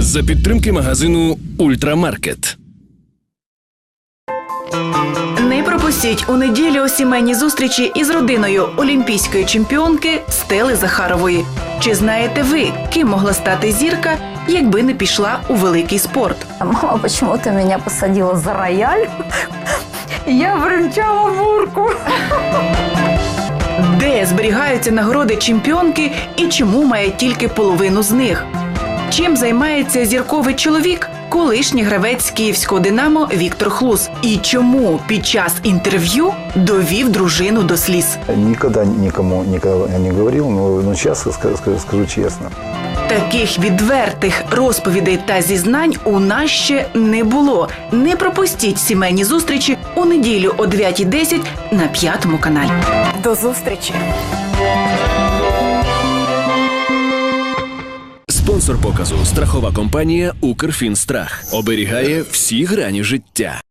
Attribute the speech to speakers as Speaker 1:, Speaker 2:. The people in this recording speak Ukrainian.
Speaker 1: За підтримки магазину «Ультрамаркет».
Speaker 2: Не пропустіть у неділю сімейні зустрічі із родиною олімпійської чемпіонки Стели Захарової. Чи знаєте ви, ким могла стати зірка, якби не пішла у великий спорт?
Speaker 3: Мама почему-то меня посадила за рояль, и я бренчала мурку.
Speaker 2: Де зберігаються нагороди чемпіонки і чому має тільки половину з них? Чим займається зірковий чоловік, колишній гравець київського «Динамо» Віктор Хлус? І чому під час інтерв'ю довів дружину до сліз?
Speaker 4: Никогда никому никогда не говорил, но сейчас скажу честно.
Speaker 2: Таких відвертих розповідей та зізнань у нас ще не було. Не пропустіть сімейні зустрічі у неділю о 9:10 на 5 каналі.
Speaker 3: До зустрічі.
Speaker 1: Спонсор показу – страхова компанія «Укрфінстрах». Оберігає всі грані життя.